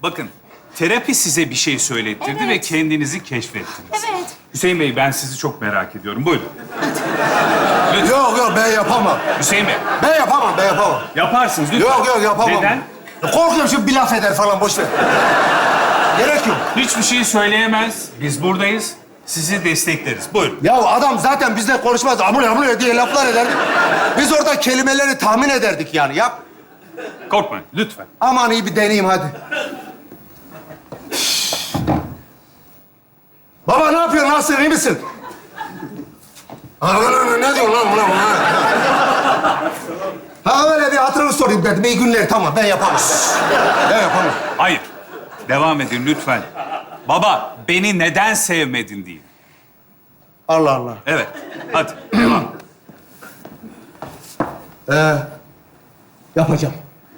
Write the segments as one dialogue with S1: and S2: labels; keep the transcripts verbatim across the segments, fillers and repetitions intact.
S1: Bakın, terapi size bir şey söylettirdi
S2: Evet.
S1: ve kendinizi keşfettiniz.
S2: Evet.
S1: Hüseyin Bey, ben sizi çok merak ediyorum. Buyurun. Lütfen.
S3: Yok yok ben yapamam.
S1: Hüseyin Bey,
S3: Ben yapamam, ben yapamam.
S1: yaparsınız lütfen.
S3: Yok yok yapamam.
S1: Neden?
S3: Korkuyorum şimdi bir laf eder falan, boş ver. Gerek yok.
S1: Hiçbir şey söyleyemez. Biz buradayız. Sizi destekleriz. Buyurun.
S3: Ya adam zaten bizle konuşmaz, amına amına diye laflar ederdi. Biz orada kelimeleri tahmin ederdik yani. Yap.
S1: Korkmayın, lütfen.
S3: Aman iyi bir deneyeyim hadi. Baba ne yapıyorsun? Nasılsın? İyi misin? Ha, ne diyorsun lan buna? Ha öyle bir hatırını sorayım dedim. İyi günler, tamam. Ben yapamam. Ben yapamam.
S1: Hayır. Devam edin lütfen. Baba, beni neden sevmedin diye.
S3: Allah Allah.
S1: Evet. Hadi, devam.
S3: Ee, yapacağım.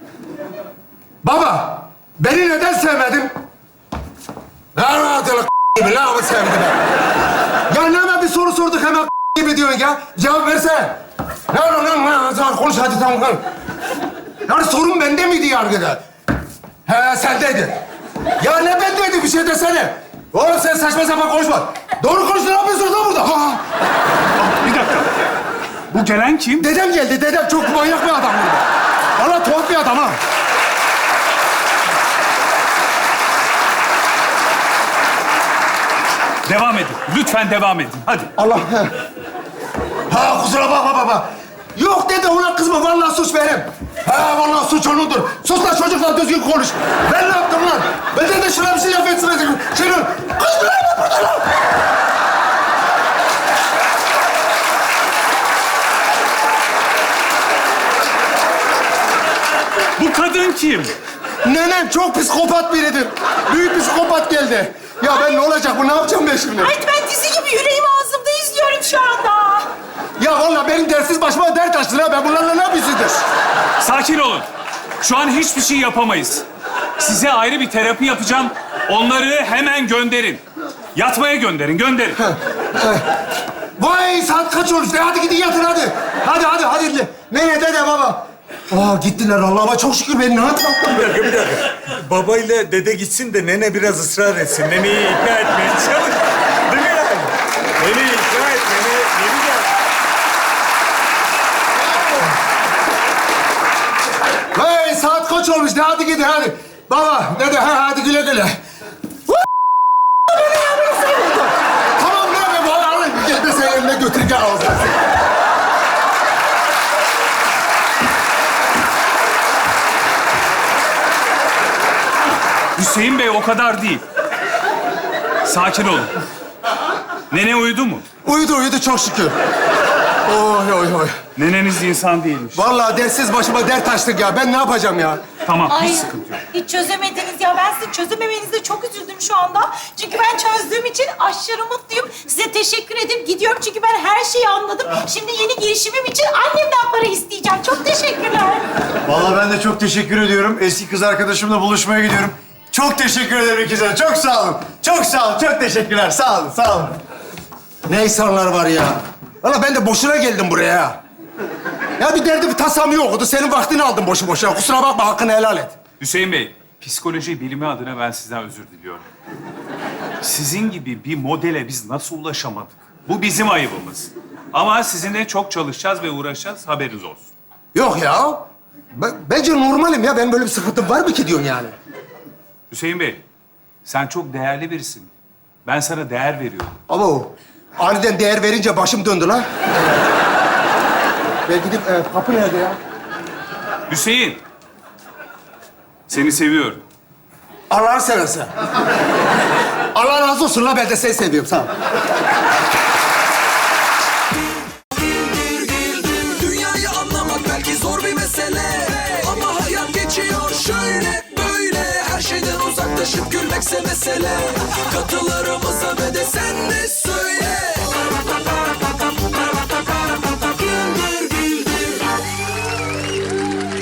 S3: Baba, beni neden sevmedin? Ne anlatıyorsun gibi lan, ama sevdim ben. Ya ne hemen bir soru sorduk, hemen gibi diyorsun ya. Cevap versene. Ne lan lan lan, lan konuş hadi, tamam konuş. Yani sorun bende miydi yargıda? He, sendeydi. Ya ne bendeydi, bir şey desene. Oğlum sen saçma sapan konuşma. Doğru konuş, ne yapıyorsun lan burada? Ha.
S1: Bir dakika. Bu gelen kim?
S3: Dedem geldi, dedem. Çok manyak bir adam burada. Vallahi tuhaf bir adam ha.
S1: Devam edin. Lütfen devam edin. Hadi.
S3: Allah. Ha kusura bakma baba. Yok dede, ona kızma. Vallahi suç benim. Ha vallahi suç onundur. Sus lan çocukla düzgün konuş. Ben ne yaptım lan? Ben de şuna bir şey laf etsin. Şunu. Kız mı lan burada lan?
S1: Bu kadın kim?
S3: Nenem çok psikopat biridir. Büyük psikopat geldi. Ya ben ne olacak bu? Ne yapacağım ben şimdi?
S2: Ay ben dizi gibi yüreğim ağzımda izliyorum şu anda.
S3: Ya vallahi benim dersiz başıma dert açtın ha. Ben bunlarla ne yapıyorsundur?
S1: Sakin olun. Şu an hiçbir şey yapamayız. Size ayrı bir terapi yapacağım. Onları hemen gönderin. Yatmaya gönderin, gönderin.
S3: Vay saat kaç olmuş? E, hadi gidin yatın hadi. Hadi hadi hadi. Ne dede baba? Aa gittiler Allah'ıma çok şükür, beni ne atlattın?
S4: Bir dakika, bir dakika. Babayla dede gitsin de nene biraz ısrar etsin. Neneyi ikna etmeye çalış. Değil mi yani? Neneyi ikna et, nene yeni gel.
S3: Hey saat kaç olmuş? De hadi gidin hadi. Baba dede ha hadi güle güle. Tamam ne be baba alın. Gel de sen eline götür gel ağzına.
S1: Hüseyin Bey o kadar değil. Sakin olun. Nene uyudu mu?
S3: Uyudu uyudu çok şükür. Oy oy oy.
S1: Neneniz insan değilmiş.
S3: Vallahi dersiz başıma dert açtık ya. Ben ne yapacağım ya?
S1: Tamam,
S2: Ay
S1: hiç sıkıntı yok.
S2: hiç çözemediniz ya. Ben sizin çözememenize çok üzüldüm şu anda. Çünkü ben çözdüğüm için aşırı mutluyum. Size teşekkür edip gidiyorum çünkü ben her şeyi anladım. Şimdi yeni girişimim için annemden para isteyeceğim. Çok teşekkürler.
S5: Vallahi ben de çok teşekkür ediyorum. Eski kız arkadaşımla buluşmaya gidiyorum. Çok teşekkür ederim ikizler. Çok sağ olun. Çok sağ olun. Çok teşekkürler. Sağ olun. Sağ olun.
S3: Ne insanlar var ya. Valla ben de boşuna geldim buraya. Ya bir derdi bir tasam yoktu. Senin vaktini aldım boşu boşuna. Kusura bakma, hakkını helal et.
S1: Hüseyin Bey, psikoloji bilimi adına ben sizden özür diliyorum. Sizin gibi bir modele biz nasıl ulaşamadık? Bu bizim ayıbımız. Ama sizinle çok çalışacağız ve uğraşacağız, haberiniz olsun.
S3: Yok ya. Ben, bence normalim ya. Benim böyle bir sıkıntım var mı ki diyorsun yani?
S1: Hüseyin Bey, sen çok değerli birisin. Ben sana değer veriyorum.
S3: Ama o aniden değer verince başım döndü lan. Ben gidip e, kapı nerede ya?
S1: Hüseyin, seni seviyorum.
S3: Allah'ını seversen. Allah razı olsun la, ben de seni seviyorum. Sağ ol.
S6: Dünyayı anlamak belki zor bir mesele, ama hayat geçiyor şöyle böyle. Her şeyden uzaklaşıp gülmekse mesele. Katılarımıza ve de sen de